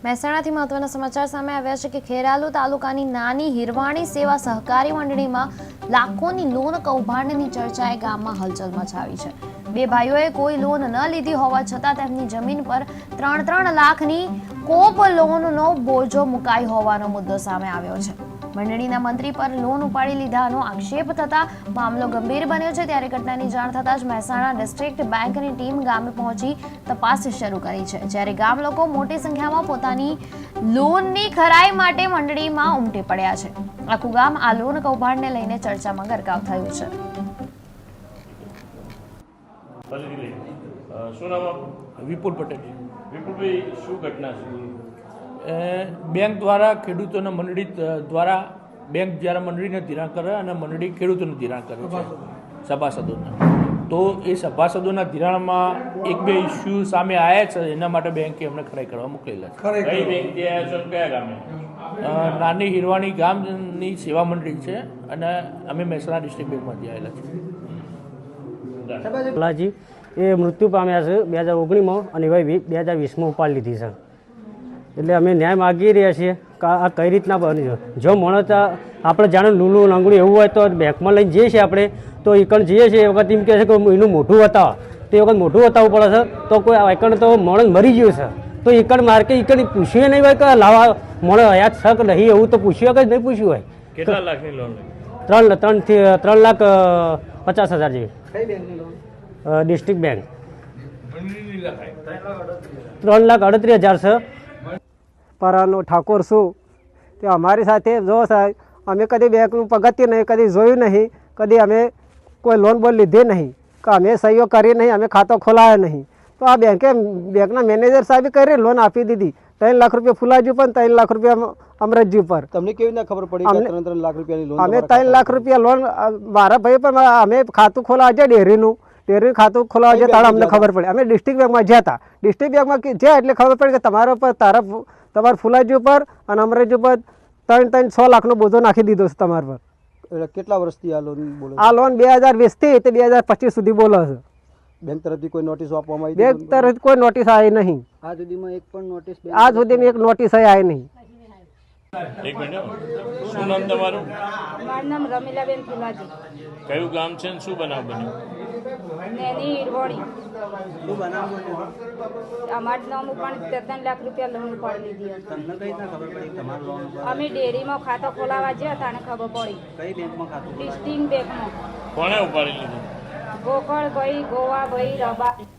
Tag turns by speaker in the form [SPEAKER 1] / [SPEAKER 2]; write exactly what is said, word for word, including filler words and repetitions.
[SPEAKER 1] મહેસાણાથી મહત્વના સમાચાર સામે આવ્યા છે કે ખેરાલુ તાલુકાની નાની હિરવાણી સેવા સહકારી મંડળીમાં લાખોની લોન કૌભાંડની ચર્ચાએ ગામમાં હલચલ મચાવી છે। બે ભાઈઓએ કોઈ લોન ન લીધી હોવા છતાં તેમની જમીન પર ત્રણ ત્રણ લાખની કોપ લોનનો બોજો મુકાઈ હોવાનો મુદ્દો સામે આવ્યો છે। મંડળીના મંત્રી પર લોન ઉપાડી લીધાનો આક્ષેપ થતા મામલો ગંભીર બન્યો છે। ત્યારે ઘટનાની જાણ થતાં જ મહેસાણા ડિસ્ટ્રિક્ટ બેંકની ટીમ ગામે પહોંચી તપાસ શરૂ કરી છે। જ્યારે ગામ લોકો મોટી સંખ્યામાં પોતાની લોનની ખરાઈ માટે મંડળીમાં ઉમટી પડ્યા છે। આખું ગામ આ લોન કૌભાંડને લઈને ચર્ચામાં ગરકાવ થયું છે।
[SPEAKER 2] શું નામ આપનું?
[SPEAKER 3] વિપુલ પટેલ।
[SPEAKER 2] વિપુલભાઈ, શું ઘટના છે?
[SPEAKER 3] બેંક દ્વારા ખેડૂતોને મંડળી દ્વારા બેંક જ્યારે મંડળીને ધિરાણ કરે અને મંડળી ખેડૂતોને ધિરાણ કરે છે સભાસદોના, તો એ સભાસદોના ધિરાણમાં એક બે ઇસ્યુ સામે આવ્યા છે। એના માટે બેંકે અમને ખરાઈ કરવા મોકલેલા છે।
[SPEAKER 2] કઈ બેંકથી આવ્યા છો? કયા ગામે?
[SPEAKER 3] નાની હિરવાણી ગામની સેવા મંડળી છે અને અમે મહેસાણા ડિસ્ટ્રિક્ટ બેંકમાંથી આવેલા છીએ।
[SPEAKER 4] ભલાજી એ મૃત્યુ પામ્યા છે બે હજાર ઓગણીસમાં અને હવે બે હજાર વીસમાં ઉપાડી લીધી છે। એટલે અમે ન્યાય માગી રહ્યા છીએ કે આ કઈ રીતના બન્યું। જો માણસ આપણે જાણે લૂલું લંગડું એવું હોય તો બેંકમાં લઈને જઈએ છીએ આપણે, તો એકણ જઈએ છીએ એ વખત એમ કહે છે કે એનું મોઢું બતાવો, તો એ વખત મોઢું બતાવવું પડે છે। તો કોઈ એકણ તો માણસ મરી ગયું છે તો એકણ માર્કે એકણ પૂછ્યું નહીં હોય કે લાવા માણસ હયાત છે કે નહીં, એવું તો પૂછ્યું કે નહીં પૂછ્યું હોય।
[SPEAKER 2] કેટલા લાખની લોન?
[SPEAKER 4] ત્રણ ત્રણથી ત્રણ લાખ પચાસ હજાર જેવી ડિસ્ટ્રિક્ટ બેંક ત્રણ લાખ અડત્રીસ હજાર છે।
[SPEAKER 5] પરાનો ઠાકોર છું તે અમારી સાથે જો સાહેબ અમે કદી બેંકનું પગથિયું નહીં, કદી જોયું નહીં, કદી અમે કોઈ લોન બોન લીધી નહીં, કે અમે સહીઓ કરી નહીં, અમે ખાતો ખોલાયો નહીં। તો આ બેંકે બેંકના મેનેજર સાહેબે કરી લોન આપી દીધી। ત્રણ લાખ રૂપિયા ફુલાજી પર, ત્રણ લાખ રૂપિયા અમરતજી પર।
[SPEAKER 6] તમને કેવી રીતે ખબર પડી કે ત્રણ ત્રણ લાખ રૂપિયાની લોન?
[SPEAKER 5] અમે ત્રણ લાખ રૂપિયા લોન મારા ભાઈ પર અમે ખાતું ખોલાવા છે ડેરીનું, ડેરી ખાતું ખોલાવા છે ત્યારે અમને ખબર પડી। અમે ડિસ્ટ્રિક્ટ બેંકમાં જ્યાં હતા, ડિસ્ટ્રિક્ટ બેંકમાં જ્યાં એટલે ખબર પડી કે તમારા પર તારા તમારા ફુલાજી ઉપર અને અમરેજી ઉપર ત્રણ ત્રણ છ લાખનો બોજો નાખી દીધો છે તમારા પર।
[SPEAKER 6] એટલે કેટલા વર્ષથી આ લોન બોલો?
[SPEAKER 5] આ લોન બે હજાર વીસ થી તે બે હજાર પચીસ સુધી બોલો છે।
[SPEAKER 6] બેંક તરફથી કોઈ નોટિસ આપવામાં આવી?
[SPEAKER 5] બેંક તરફથી કોઈ નોટિસ આવી નહીં।
[SPEAKER 6] આ સુધીમાં એક પણ નોટિસ?
[SPEAKER 5] આજ સુધીમાં એક નોટિસ આવી નહીં।
[SPEAKER 2] એક મિનિટ, શું નામ તમારું?
[SPEAKER 7] મારું નામ રમીલાબેન ફુલાજી।
[SPEAKER 2] કયું ગામ છે ને શું બનાવ બન્યો?
[SPEAKER 7] નાની હિરવાણી।
[SPEAKER 6] શું બનાવ બન્યો?
[SPEAKER 7] અમારું નામ પણ ત્રણ લાખ રૂપિયા લોન ઉપાડી લીધી હતી।
[SPEAKER 6] તમને કઈ રીતના ખબર પડી તમારું લોન?
[SPEAKER 7] અમે ડેરીમાં ખાતો ખોલાવા ગયા હતા અને ખબર પડી।
[SPEAKER 6] કઈ બેંકમાં ખાતું?
[SPEAKER 7] ડિસ્ટ્રિક્ટ બેંકમાં।
[SPEAKER 2] કોણે ઉપાડી લીધું?
[SPEAKER 7] ગોકળભાઈ, ગોવાભાઈ, રબા।